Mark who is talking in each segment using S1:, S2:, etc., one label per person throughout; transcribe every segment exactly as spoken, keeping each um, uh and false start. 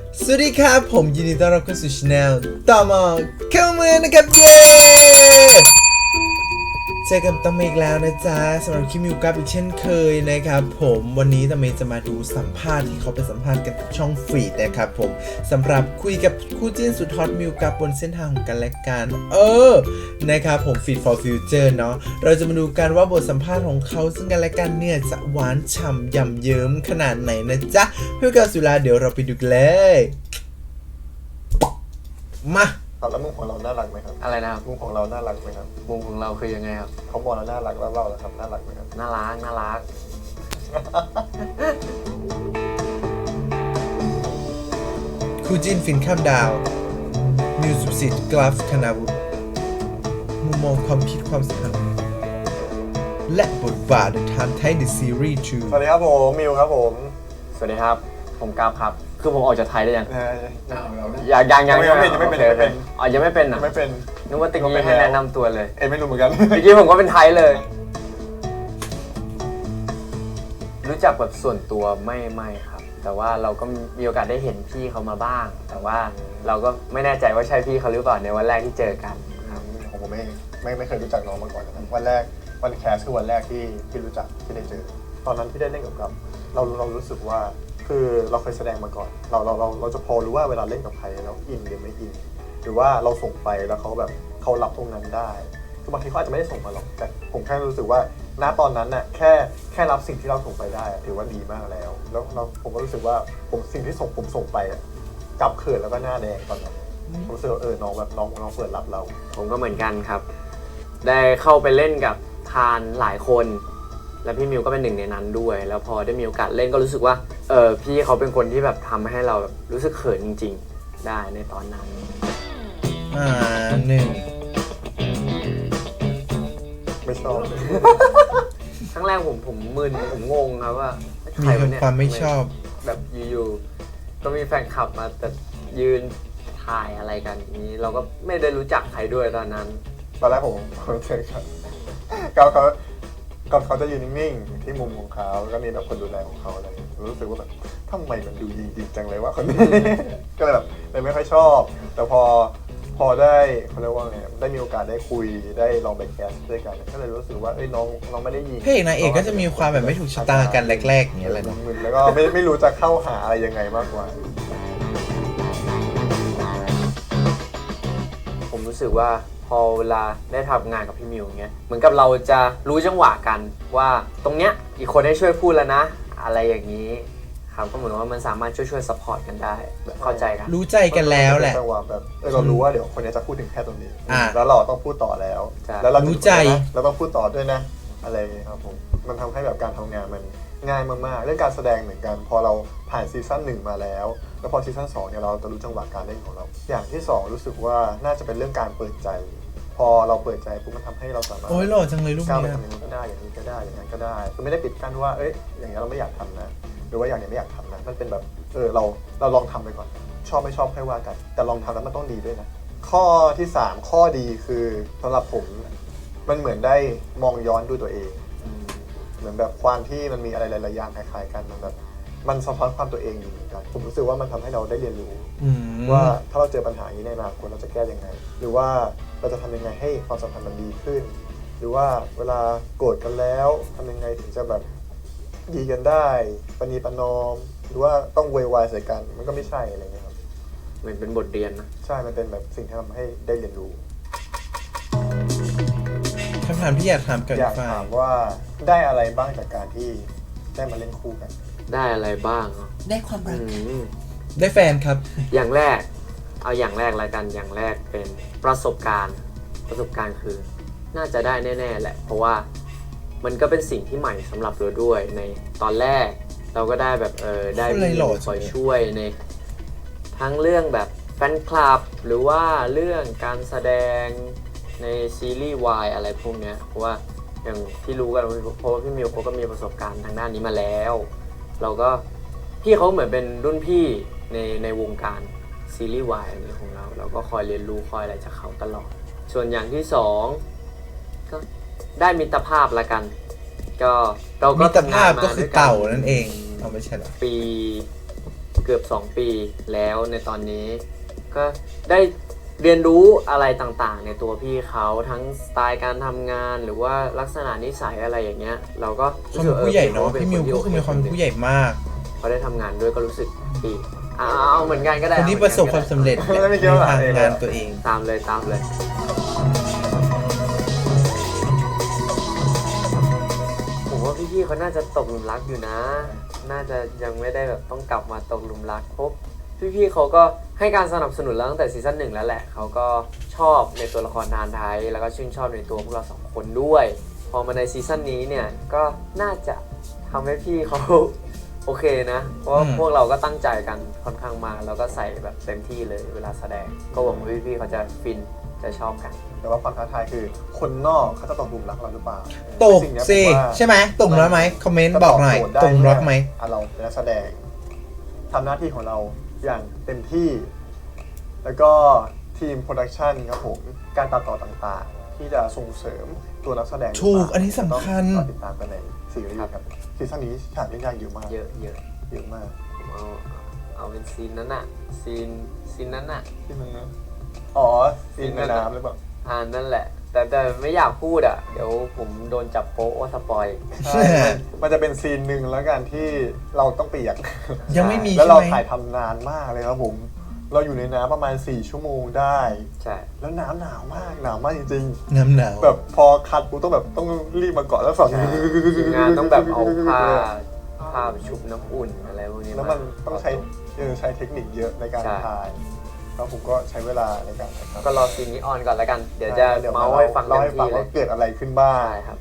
S1: สวัสดีครับผมยินดีต้อนรับเข้าสู่ช anel ต่อมาเข้าเมืองนะครับเย้เจอกันต่อมาอีกแล้วนะจ๊ะสำหรับคิมิวกับอีกเช่นเคยนะครับผมวันนี้ตาเมย์จะมาดูสัมภาษณ์ที่เขาไปสัมภาษณ์กันช่องฟีดนะครับผมสำหรับคุยกับคู่จิ้นสุดฮอตมิวกับบนเส้นทางของกันและกันเออนะครับผม Feed for Future เนาะเราจะมาดูกันว่าบทสัมภาษณ์ของเขาซึ่งกันและกันเนี่ยจะหวานฉ่ำยำเยิ้มขนาดไหนนะจ๊ะเพื่อการสุราเดี๋ยวเราไปดูกันเลยมา
S2: แล้วมุมของเราน่ารักไหมครับ
S3: อะไรนะครับ
S2: มุมของเราน่ารักไหมครับ
S3: มุมของเราคือยังไงครับ
S2: เขาบอกเราน่ารักแล้วเราล่ะครับน่ารักไหมครับ
S3: น่ารักน่ารัก
S1: คู่จิ้นฟินข้ามดาวมิวสุสิทธิ์กราฟคณาวุฒิมุมมองความคิดความสัมพันธ์และบทบาทในทางไทยในซีรีส์ชู
S2: สวัสดีครับผมมิวครับผม
S3: สวัสดีครับผมกราฟครับคือผมออกจากไทยได้ยัง
S2: ยั
S3: งยังยัง
S2: ยังไม่ยังไม่เป็นยังไม่เป็น
S3: อ๋อยังไม่เป็นอ่ะ
S2: ไม่เป็น
S3: นึกว่าตะกี้ให้แนะนำตัวเลย
S2: เอ้ไม่รู้เหมือนกัน
S3: ตะกี้ผมก็เป็นไทยเลยรู้จักแบบส่วนตัวไม่ไม่ครับแต่ว่าเราก็มีโอกาสได้เห็นพี่เขามาบ้างแต่ว่าเราก็ไม่แน่ใจว่าใช่พี่เขาหรือเปล่าในวันแรกที่เจอกันครับ
S2: ของผมไม่ไม่ไม่เคยรู้จักน้องมาก่อนนะครับวันแรกวันแคสคือวันแรกที่ที่รู้จักที่ได้เจอตอนนั้นที่ได้เล่นกับกับเราเรารู้สึกว่าคือเราเคยแสดงมาก่อนเราเราเราเราจะพอรู้ว่าเวลาเล่นกับใครเราอินหรือไม่อินหรือว่าเราส่งไปแล้วเขาแบบเขารับตรงนั้นได้คือบางทีเขาอาจจะไม่ได้ส่งมาหรอกแต่ผมแค่รู้สึกว่าณตอนนั้นน่ะแค่แค่รับสิ่งที่เราส่งไปได้ถือว่าดีมากแล้วแล้วเราผมก็รู้สึกว่าผมสิ่งที่ส่งผมส่งไปกลับเขินแล้วก็หน้าแดงตอนนั้นผมรู้สึกเออน้องแบบน้องน้องเปิดรับเรา
S3: ผมก็เหมือนกันครับได้เข้าไปเล่นกับทานหลายคนแล้วพี่มิวก็เป็นหนึ่งในนั้นด้วยแล้วพอได้มีโอกาสเล่นก็รู้สึกว่าเออพี่เขาเป็นคนที่แบบทำให้เราแบบรู้สึกเขินจริงๆได้ในตอนนั้น
S1: อ่าหนึ่ง
S2: ไม่ชอบ
S3: ครั้งแรกผมผมมึนผมงงครับว่า
S1: มีความไม่ชอบ
S3: แบบอยู่ๆก็มีแฟนคลับมาแต่ยืนถ่ายอะไรกันนี้เราก็ไม่ได้รู้จักใครด้วยตอนนั้น
S2: ตอนแรกผมเจอครับเขาเขาก่อนเขาจะยืนนิ่งๆที่มุมของเขาแล้วก็มีแบบคนดูแลของเขาอะไรรู้สึกว่าแบบทำไมมันดูดีดีจังเลยว่าคนนี้ก็เลยแบบเลยไม่ค่อยชอบแต่พอพอได้เขาเรียกว่าไงได้มีโอกาสได้คุยได้ลองไปแคสด้วยกันก็เลยรู้สึกว่าเอ้ยน้องน้องไม่ได้ยิง
S1: พระเอกนางเอกก็จะมีความแบบไม่ถูกชะตากันแรกๆอย่างเงี้ยแหละ
S2: มึนแล้วก็ไม่ไม่รู้จะเข้าหาอะไรยังไงมากกว่า
S3: ผมรู้สึกว่าพอเวลาได้ทำงานกับพี่มิวเงี้ยเหมือนกับเราจะรู้จังหวะกันว่าตรงเนี้ยอีกคนให้ช่วยพูดแล้วนะอะไรอย่างนี้ครับก็เหมือนว่ามันสามารถช่วยช่วยซัพพอร์ตกันได้แบบเข้าใจกัน
S1: รู้ใจกันแล้วแหละ
S2: จังหวะแบบเรารู้ว่าเดี๋ยวคนนี้จะพูดถึงแค่ตรงนี้แล้วเราต้องพูดต่อแล้วแล้วเรา
S1: รู้ใจ
S2: เราต้องพูดต่อด้วยนะอะไรครับผมมันทำให้แบบการทำงานมันง่ายมากๆเรื่องการแสดงเหมือนกันพอเราผ่านซีซั่นหนึ่งมาแล้วแล้วพอซีซั่นสองเนี่ยเราจะรู้จังหวะการเล่นของเราอย่างที่สองรู้สึกว่าน่าจะเป็นเรื่องการเปิดใจพอเราเปิดใจปุ๊บมันทำให้เราสามารถ
S1: โอ้ยหล่อจังเลยลูก
S2: นี้ก้าวไปทำอย่างนี้ก็ได้อย่างนี้ก็ได้อย่างนั้นก็ได้คือไม่ได้ปิดกั้นว่าเอ้ยอย่างนี้เราไม่อยากทำนะหรือว่าอย่างนี้ไม่อยากทำนะมันเป็นแบบเออเราเราลองทำไปก่อนชอบไม่ชอบค่อยว่ากันแต่ลองทำแล้วมันต้องดีด้วยนะข้อที่สามข้อดีคือสำหรับผมมันเหมือนได้มองย้อนดูตัวเองเหมือนแบบความที่มันมีอะไรหลายๆอย่างคล้ายๆกันมันแบบมันสะท้อนความตัวเองอยู่เหมือนกันผมรู้สึกว่ามันทำให้เราได้เรียนรู้ว่าถ้าเราเจอปัญหาอย่างนี้ในอนาคตเราจะแก้ยังไงหรือว่าเราจะทำยังไงให้ความสัมพันธ์มันดีขึ้นหรือว่าเวลาโกรธกันแล้วทำยังไงถึงจะแบบดีกันได้ปณีประนอมหรือว่าต้องเวยวายใส่กันมันก็ไม่ใช่อะไรเงี้ยครับ
S3: เหมือนเป็นบทเรียนนะ
S2: ใช่มันเป็นแบบสิ่งที่ทำให้ได้เรียนรู้
S1: คำถามที่อยากถามกับ
S2: อยากถามว่าได้อะไรบ้างจากการที่ได้มาเล่นคู่กัน
S3: ได้อะไรบ้าง
S1: ได้ความรักได้แฟนครับ
S3: อย่างแรกเอาอย่างแรกละกันอย่างแรกเป็นประสบการณ์ประสบการณ์คือน่าจะได้แน่ๆแหละเพราะว่ามันก็เป็นสิ่งที่ใหม่สำหรับเราด้วยในตอนแรกเราก็ได้แบบเออได้มีคอยช่วยในทั้งเรื่องแบบแฟนคลับหรือว่าเรื่องการแสดงในซีรีส์วายอะไรพวกเนี้ยเพราะว่าอย่างที่รู้กันเพราะว่าพี่มิวเขาก็มีประสบการณ์ทางด้านนี้มาแล้วเราก็พี่เขาเหมือนเป็นรุ่นพี่ในในวงการซีรีส์วายอันนี้ของเราเราก็คอยเรียนรู้คอยอะไรจากเขาตลอดส่วนอย่างที่สองก็ได้มิตรภาพละกันก็เราก็
S1: มิตรภาพก็คือเต่านั่นเองเอาไม่ใช่หรอ
S3: ปีเกือบสองปีแล้วในตอนนี้ก็ได้เรียนรู้อะไรต่างๆในตัวพี่เขาทั้งสไตล์การทำงานหรือว่าลักษณะนิสัยอะไรอย่างเงี้ยเราก็
S1: ความเป็นผู้ใหญ่เนาะพี่มิวก็คือมีความเป็นผู้ใหญ่มาก
S3: พอได้ทำงานด้วยก็รู้สึกดีเอาเอาเหมือนกันก็ได้
S1: คนที่ประสบความสำเร็จในทางงานตัวเอง
S3: ตามเลยตามเลยผมว่าพี่ๆเขาน่าจะตกหลุมรักอยู่นะน่าจะยังไม่ได้แบบต้องกลับมาตกหลุมรักเพราะพี่ๆเขาก็ให้การสนับสนุนเราตั้งแต่ซีซั่นหนึ่งแล้วแหละเขาก็ชอบในตัวละครทานไทยแล้วก็ชื่นชอบในตัวพวกเราสองคนด้วยพอมาในซีซั่นนี้เนี่ยก็น่าจะทำให้พี่เขาโอเคนะเพราะว่าพวกเราก็ตั้งใจกันค่อนข้างมากแล้วก็ใส่แบบเต็มที่เลยเวลาแสดงก็หวังว่าพี่ๆเขาจะฟินจะชอบกัน
S2: แต่ว่าความท้าทายคือคนนอกเขาจะตกหลุมรักเราหรือเปล่า
S1: ตกสิใช่ไหมตกแล้วไหมคอมเมนต์บอกหน่อยตกรักไหม
S2: เราเป็นนักแสดงทำหน้าที่ของเราอย่างเต็มที่แล้วก็ทีมโปรดักชันครับผมการตัดต่อต่างๆที่จะส่งเสริมตัวนักแสดง
S1: ถูกอันนี้สำคัญ
S2: ติดตามกันในซีรีส์ครับซีซั่นนี้ฉากเล่นยากเยอะมาก
S3: เยอะเยอะ
S2: เยอะมาก
S3: เอาเอาเป็นซีนนั้นอะซีนซีนนั้นอะ
S2: ซีนนั้นนะอ๋อซีนในน้ำหรือเปล่า
S3: อ่านั่นแหละแต่แต่ไม่อยากพูดอ่ะเดี๋ยวผมโดนจับโป๊ะว่าสปอย
S2: ใช่มันจะเป็นซีนหนึ่งแล้วกันที่เราต้องเปียก
S1: ยังไม่มี
S2: แล้วเราถ่ายทำนานมากเลยครับผมเราอยู่ในน้ำประมาณสี่ชั่วโมงได้
S3: ใช่
S2: แล้วน้ำหนาวมากหนาวมากจริง
S1: ๆน้ำหนาว
S2: แบบพอคัดกูต้องแบบต้องรีบมาเกาะแล้วสอน
S3: งานต้องแบบเอาผ้าผ้าชุบน้ำอุ่นอะไรพวกนี้
S2: แล้วมันต้องใช้ใช้เทคนิคเยอะในการถ่ายแล้วผมก็ใช้เวลาในการถ่าย
S3: ก็รอซีนนี้ออนก่อนแล้วกันเดี๋ยวจะเมาให้ฟัง
S2: เล่าให้ฟังว่าเกิดอะไรขึ้นบ้าง
S3: ใช่ครับ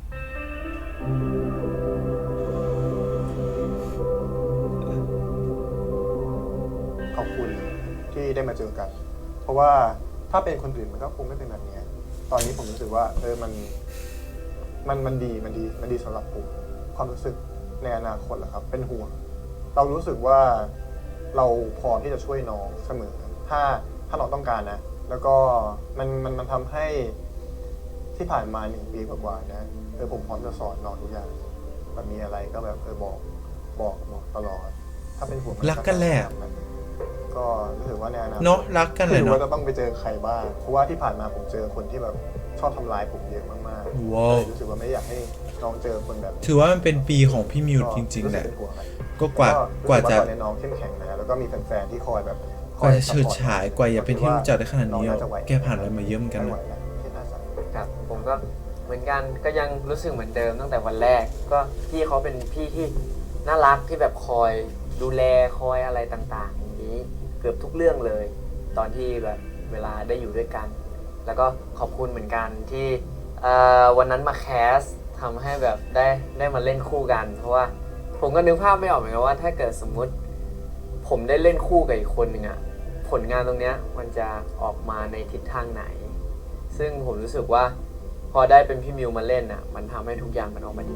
S2: ขอบคุณที่ได้มาเจอกันเพราะว่าถ้าเป็นคนอื่นมันก็คงไม่เป็นแบบนี้ตอนนี้ผมรู้สึกว่าเออมันมันมันดีมันดีมันดีสำหรับผมความรู้สึกในอนาคตแหละครับเป็นห่วงเรารู้สึกว่าเราพร้อมที่จะช่วยน้องเสมอถ้าถ้าน้องต้องการนะแล้วก็มันมันมันทำให้ที่ผ่านมาหนึ่งปีกว่าๆนะเออผมพร้อมจะสอนน้องทุกอย่างแบบมีอะไรก็แบบเออบอกบอกบอกตลอดถ้าเป็นห่วง
S1: รักกันแหละ
S2: ก็รู้สึกว่าในอนาคต
S1: เนาะรักกันเลยเนาะ
S2: ว่าจะต้องไปเจอใครบ้างเพราะว่าที่ผ่านมาผมเจอคนที่แบบชอบทำร้ายผมเยอะมาก
S1: ๆว้าว
S2: รู้สึกว่าไม่อยากให้น้องเจอคนแบบ
S1: ถือว่ามันเป็นปีของพี่มิวจริงๆแหละก็กว่ากว่าจะ
S2: น้องเข้มแข็งนะแล้วก็มีแฟนๆที่คอยแบบ
S1: กว่าจะเฉิดฉายกว่าอย่าเป็นที่รู้จักได้ขนาดนี้แกผ่านอะไรมาเยอะเหมือนกัน
S3: ครับผมก็เหมือนกันก็ยังรู้สึกเหมือนเดิมตั้งแต่วันแรกก็พี่เขาเป็นพี่ที่น่ารักที่แบบคอยดูแลคอยอะไรต่างๆอย่างนี้เกือบทุกเรื่องเลยตอนที่แบบเวลาได้อยู่ด้วยกันแล้วก็ขอบคุณเหมือนกันที่วันนั้นมาแคสทำให้แบบได้ได้มาเล่นคู่กันเพราะว่าผมก็นึกภาพไม่ออกเหมือนกันว่าถ้าเกิดสมมุติผมได้เล่นคู่กับอีกคนหนึ่งอะผลงานตรงเนี้ยมันจะออกมาในทิศทางไหนซึ่งผมรู้สึกว่าพอได้เป็นพี่มิวมาเล่นอะมันทำให้ทุกอย่างมันออกมาดี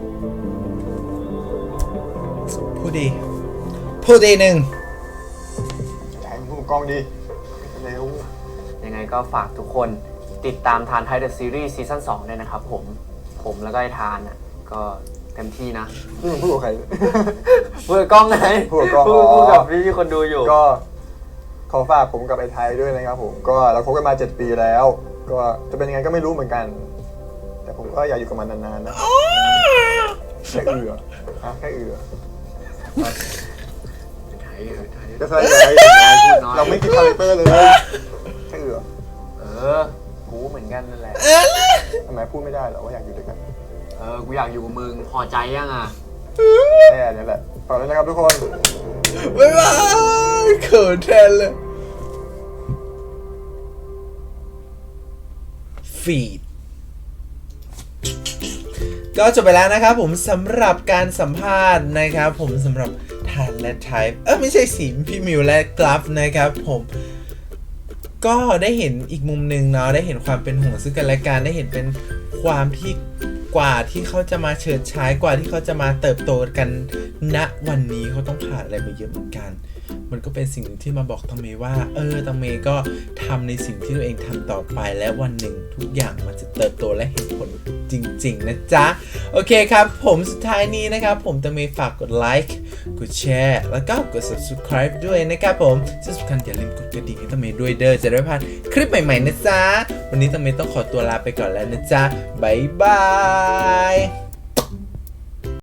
S1: พูดดีพูดดีหนึ่ง
S2: ใช้มือกล้องดีเร็ว
S3: ยังไงก็ฝากทุกคนติดตามทานไทยเดอะซีรีส์ซีซั่นสองเลยนะครับผมผมแล้วก็ไอ้ทานอะก็เต็มที่นะ
S2: พูดกับใคร
S3: พูดกับกล้องไง
S2: พูดกับกล้อง
S3: พูดกับพี่ๆคนดูอยู่
S2: ก็ขอฝากผมกับไอ้ไทยด้วยนะครับผมก็เราคบกันมาเจ็ดปีแล้วก็จะเป็นยังไงก็ไม่รู้เหมือนกันแต่ผมก็อยากอยู่กับมันนานๆนะแค่เอืออ่ะแค่เอือ
S3: ไทยเออไทย
S2: ก็ใช่เลยเราไม่คิดคาแรคเตอร์เลยแค่เอือ
S3: เออกูเหมือนกันนั่นแหละ
S2: ทำไมพูดไม่ได้หรอว่าอยากอยู่ด้วยกัน
S3: เออกูอยากอยู่กับมึงพอใจยังอ่ะ
S2: แค่นี้แหละขอบคุณนะครับทุกคน
S1: บ๊ายบายเขินแทนเลยฟีดก็จบไปแล้วนะครับผมสำหรับการสัมภาษณ์นะครับผมสำหรับทานและไทป์เออไม่ใช่สิพี่มิวและกราฟนะครับผมก็ได้เห็นอีกมุมหนึ่งเนาะได้เห็นความเป็นห่วงซึ่งกันและกันได้เห็นเป็นความที่กว่าที่เขาจะมาเฉิดฉายกว่าที่เขาจะมาเติบโตกันณวันนี้เขาต้องผ่านอะไรมาเยอะเหมือนกันมันก็เป็นสิ่งหนึ่งที่มาบอกตังเมว่าเออตังเมก็ทำในสิ่งที่ตัวเองทำต่อไปและวันหนึ่งทุกอย่างมันจะเติบโตและเห็นผลจริงๆนะจ๊ะโอเคครับผมสุดท้ายนี้นะครับผมตังเมฝากกดไลค์กดแชร์แล้วก็กด subscribe ด้วยนะครับผมที่สำคัญอย่าลืมกดกระดิ่งให้ตาเมย์ด้วยเด้อจะได้ไม่พลาดคลิปใหม่ๆนะจ๊ะวันนี้ตาเมย์ต้องขอตัวลาไปก่อนแล้วนะจ๊ะบ๊ายบาย